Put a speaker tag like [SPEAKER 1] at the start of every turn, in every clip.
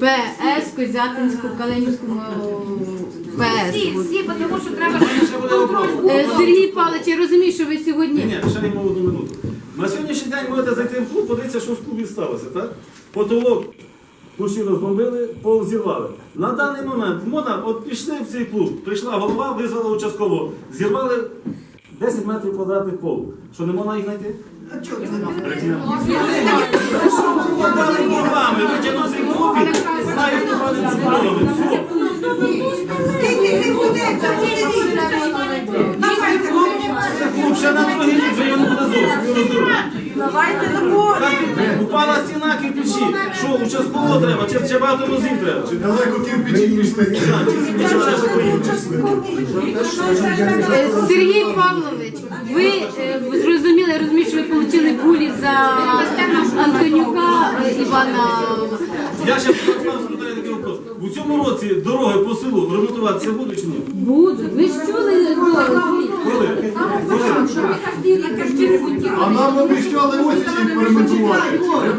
[SPEAKER 1] ПС, Козятинську, Калинівську ПС.
[SPEAKER 2] Всі, тому що треба
[SPEAKER 1] Сергій Павлович, я розумію, що ви сьогодні...
[SPEAKER 3] Ні, ще йому одну минуту. На сьогоднішній день можете зайти в клуб, подивитися, що в клубі сталося, так? Потолок кущі розбомбили, пол зірвали. На даний момент от пішли в цей клуб, прийшла голова, визвала участкового, зірвали 10 метрів квадратних полу. Що, не можна їх знайти? А чого це не можна? Витягнув цей клуб, знаю, хто пане збройовий.
[SPEAKER 4] Скільки цих людей там сидить?
[SPEAKER 3] Клуб ще на другий рік, вже його не буде зовсім.
[SPEAKER 4] Давайте домовимо.
[SPEAKER 3] Упала стіна кирпичі. Що, участкового треба? Чи багато мозів треба?
[SPEAKER 5] Чи далеко кирпичі пішли?
[SPEAKER 1] Сергій Павлович, ви зрозуміли, я розумію, що ви отримали кулі за Антонюка Івана.
[SPEAKER 3] Я ще спитаю такий вопрос. У цьому році дороги по селу ремонтуватися будуть чи ні?
[SPEAKER 1] Будуть. Ви ж чули?
[SPEAKER 3] Коли?
[SPEAKER 5] А нам обіцяли ось їх перемонтувати.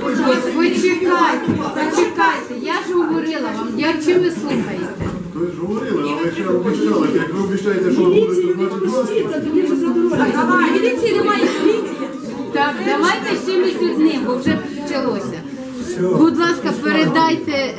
[SPEAKER 1] Почекайте, я ж говорила вам, чи ви слухаєте?
[SPEAKER 5] Ви ж говорили, але ще обіцяли. Як ви обіцяєте, що буде, то значить вас.
[SPEAKER 4] Міліції немає, міліції.
[SPEAKER 1] Так, давайте чимось одним, бо вже почалося. Будь ласка, передайте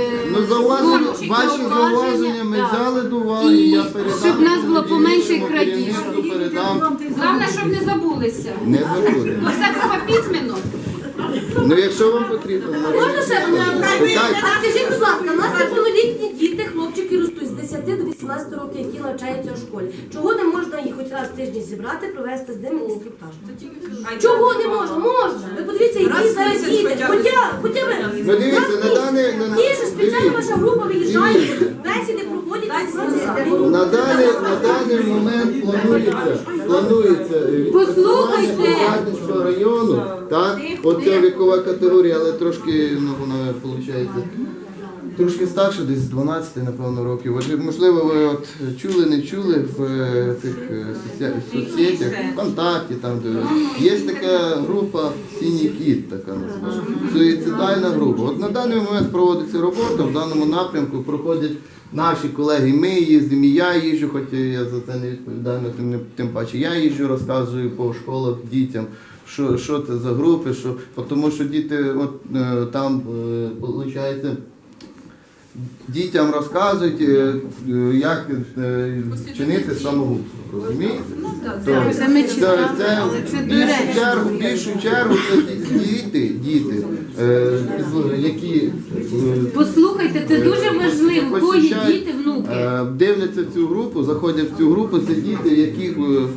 [SPEAKER 6] Ваші зауваження ми взяли до уваги,
[SPEAKER 1] і
[SPEAKER 6] я передам.
[SPEAKER 1] щоб в нас було поменше крадіжок.
[SPEAKER 6] Передам.
[SPEAKER 2] Головне, щоб не забулися.
[SPEAKER 6] Не забудемо.
[SPEAKER 2] Бо все треба письменно.
[SPEAKER 6] Ну якщо вам потрібно,
[SPEAKER 4] Можна ще одне питання?
[SPEAKER 6] Так.
[SPEAKER 4] А скажіть, будь ласка, у нас неповнолітні діти, хлопчики ростуть з 10 до 18 років, які навчаються у школі. Чого не можна їх хоч раз в тиждень зібрати, провести з ними інструктаж? Чого не можна? Можна. Ви подивіться, які зараз діти. Хоча ви.
[SPEAKER 6] Ну дивіться, на даний...
[SPEAKER 4] Ті ж спеціальна ваша група виїжджає, бесіди проводять.
[SPEAKER 6] На даний момент планується
[SPEAKER 1] Послухайте.
[SPEAKER 6] Козятинського району, так, оця вікова категорія, але трошки, ну вона виходить, трошки старше, десь з 12, напевно, років. От, можливо, ви от чули, не чули в цих соцсетях, ВКонтакті, там, де є така група «Синій кіт», така називається, суїцидальна група. От на даний момент проводиться робота, в даному напрямку проходять наші колеги, ми їздимо, і я їжджу, хоч я за це не відповідаю, тим паче я їжджу, розказую по школах дітям, що це за групи, тому що діти от, там, виходить, дітям розказують, як чинити самогубство, розумієте?
[SPEAKER 1] Це ми читали, але це
[SPEAKER 6] В більшу чергу це діти, які
[SPEAKER 1] Послухайте, це дуже важливо, кого є діти, внуки.
[SPEAKER 6] дивляться цю групу, заходять в цю групу, це діти, яких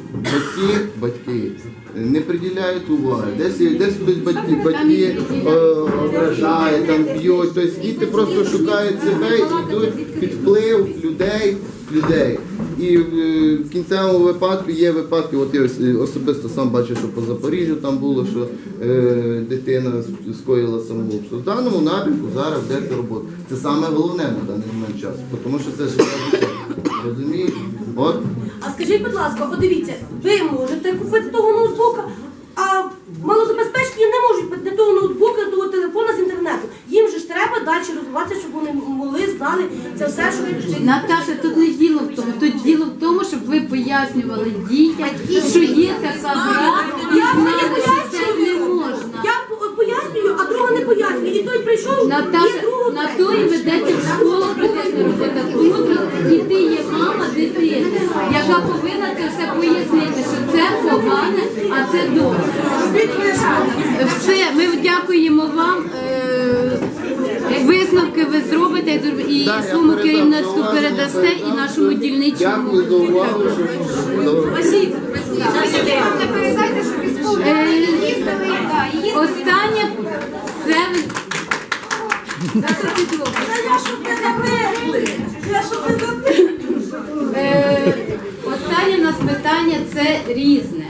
[SPEAKER 6] батьки не приділяють уваги. Десь хтось батьки ображають, там б'ють, тобто діти просто шукають себе і йдуть під вплив людей. І в кінцевому випадку є випадки, от я особисто сам бачив, що по Запоріжжю там було, що дитина скоїла самогубство. В даному напрямку зараз йде робота. Це саме головне на даний момент часу, тому що це життя дитини. Розумієте? От.
[SPEAKER 4] А скажіть, будь ласка, подивіться, ви можете купити того ноутбука, а малозабезпечені не можуть не того ноутбука, того телефона з інтернету. Їм же ж треба далі розвиватися, щоб вони могли, знали це все, що ви вчите.
[SPEAKER 1] Наташа, тут не діло в тому. Тут діло в тому, щоб ви пояснювали дітям, що є така гра, і знали, що це не можна.
[SPEAKER 4] Я пояснюю, а друга не пояснює. І той прийшов,
[SPEAKER 1] Наташа,
[SPEAKER 4] і другого
[SPEAKER 1] на то і ведеться в школу, ведеться робота. Тут і ти є мама дитини, яка повинна це все пояснити, що це погане, а це добре. Все, ми дякуємо вам. Висновки ви зробите і своєму керівництву передасте, і нашому дільничному.
[SPEAKER 6] Дякую за увагу.
[SPEAKER 2] Передайте, що військові їздили,
[SPEAKER 1] Останнє це останнє у нас питання це різне.